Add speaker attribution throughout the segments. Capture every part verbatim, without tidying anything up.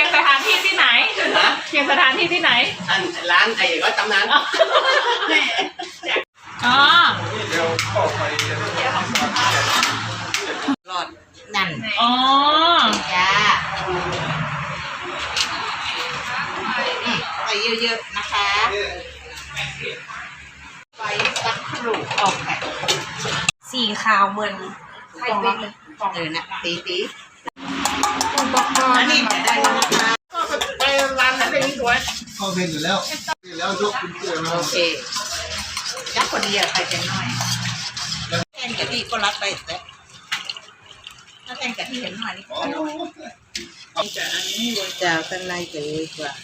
Speaker 1: ยงสถานที่ที่ไหนเคียงสถานที่ที่ไหน
Speaker 2: อันร้านไอ้ก็ตำนาน
Speaker 1: อ๋อ
Speaker 3: หลอดนั่น
Speaker 1: อ๋อ
Speaker 3: จ้าใส่เยอะๆนะคะไปสักครู่ออกแบบสีขาวเหมือนไข่เป็นเออนะตีตีอันนี้ได้แล้วนะคะ
Speaker 2: ไปร้านนั้นได้สวย
Speaker 4: เข้าเป็นอยู่แล้วแล้วยกคุณเกลือมา
Speaker 3: โอเคยักคนเดียวใครจะน้อยแทนกะทิก็รับไปแต่ถ้าแทนกะทิเห็นหน่อยนี่ก็จะอันนี้จะข้างในจะเลยกว่า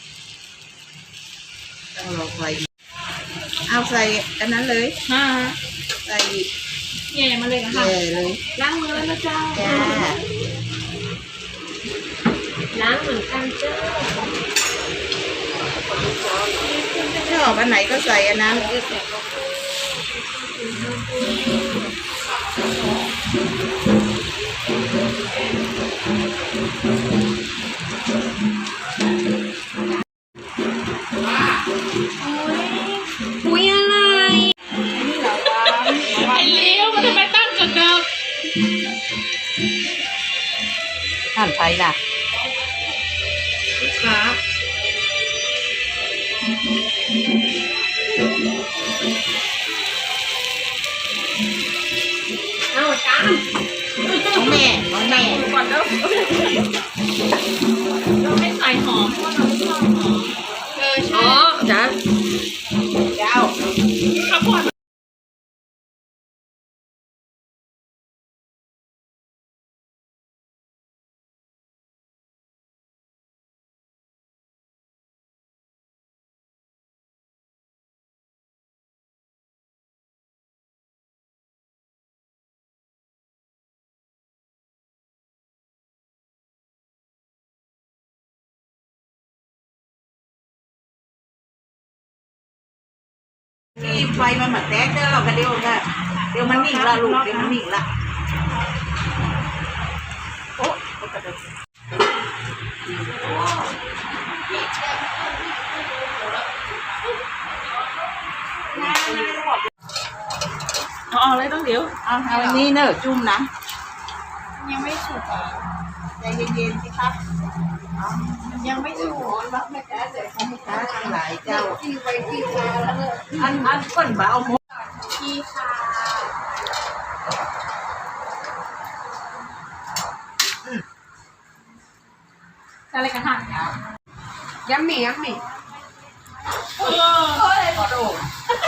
Speaker 3: ต้องรอไฟเอาใส่อันนั้นเลย
Speaker 1: ฮ่า
Speaker 3: ใส่
Speaker 1: แย่มาเลยนะคะ
Speaker 3: แย่เลย
Speaker 1: ล้างมือแล้วนะเจ้า
Speaker 3: จ้า
Speaker 1: ล้างเหมือนกันเจ้า
Speaker 3: ชอบอันไหนก็ใส่อันนั้น
Speaker 1: อุ้ยอะไรไอ้เลี้ยวมันทำไมตั้งจุดเดิม
Speaker 3: หั่นไทยล่ะ
Speaker 1: ค่ะเอาจาน
Speaker 3: ของแม่ของแม่
Speaker 1: ก่อนเด้อเราไม่ใส่หอมเพราะเราไม่ชอบหอมเออใช่อ๋อจ้ะ
Speaker 3: เจ้า
Speaker 1: ข้าวโพด
Speaker 3: นี่ไฟมันเหมือนแตกเด้อเราก็เดี๋ยวก็เดี๋ยวมันนิ่งละลูกเดี๋ยวมันนิ่งละโอ้
Speaker 1: เอาเอาเลยต้องเดี๋ยว
Speaker 3: เอาเอาอันนี้เนอะจุ่มนะ
Speaker 1: ยังไม่สุกอ่ะ
Speaker 3: ใจเย็นๆสิครับ
Speaker 1: ยังไม่สุก
Speaker 3: รักแม่แก่เด็กแม่แก่ทั้งหลายเจ้าที่ไปที่มาแล้วเนี่ยอันอันก้นบ่เอาหมด
Speaker 1: พี่ค่ะอะไรกันทาน
Speaker 3: ยัมมี่ยัมมี่
Speaker 1: เออ
Speaker 3: ขอโทษ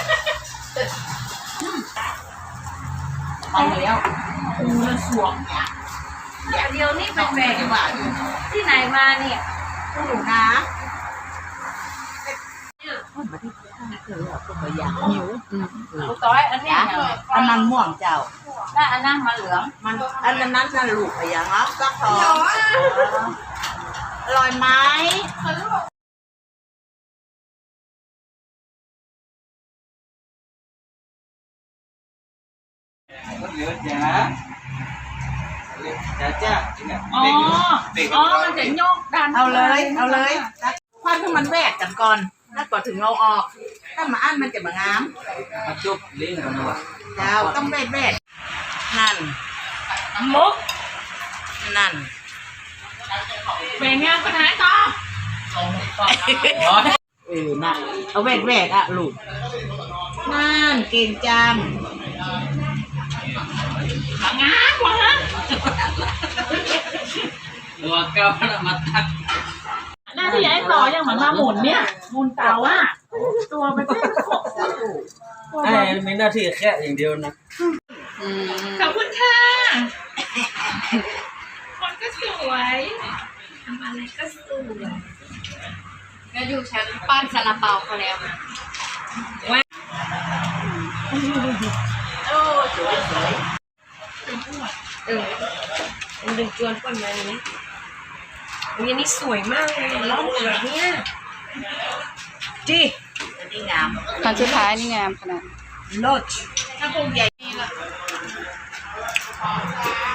Speaker 3: เอาแล้ว
Speaker 1: อูมันสวง
Speaker 3: อย่าเดียวนี่เป็นแม่
Speaker 1: ที่ไหนมาเนี่ย
Speaker 3: ผู้หนูนะคนมาที่ข้างคือคนมาอยากหิว
Speaker 1: ลูกต้อยอันนี้
Speaker 3: อันนั้นม่วงเจ้า
Speaker 1: แล้วอันนั้นมาเหลือง
Speaker 3: มันอันนั้นนั่นลูกไปอย่างอ่ะก็ทองอร่อยไหม
Speaker 2: เยอะจ้าจ้าจ้า
Speaker 1: อ๋ออ๋อมันจะโยกดัน
Speaker 3: เอาเลยเอาเลยควันให้มันแวกกันก่อนแล้วก่อนถึงเราออกถ้ามาอั้นมันจะมางาม
Speaker 2: มาจุบเลี้ยงกันนะวะ
Speaker 3: เจ้าต้องแวกแวกนั่น
Speaker 1: มุก
Speaker 3: นั่น
Speaker 1: เป็นงานปัญหาต่อ
Speaker 3: เออน่ะเอาแวกแวกอ่ะลูกนั่นเก่งจัง
Speaker 1: งานวะ
Speaker 2: ตัวเก้ามาตัก
Speaker 1: หน้าที่ย้ายต่อยังเหมือนมาหมุนเนี่ยหมุนเตาอ่ะตัวมันเป็นขบ
Speaker 2: ไอ้มีหน้าที่แค่อย่างเดียวนะ
Speaker 1: ขอบคุณค่ะคนก็สวยทำอะไรก็สวยก็อยู่ชั้นปั้นซาลาเปาเขาแล้วว่า
Speaker 3: โอ้สวยสวย
Speaker 1: เออมันดึงจวนก่อนมาอย่างนี้อันนี้สวยมากเลยล้อมเหลืองเนี่ย
Speaker 3: จีนี่งาม
Speaker 5: คันสุดท้ายนี่งามขนาด
Speaker 3: โลดถ้าพวกใหญ่นี่ละ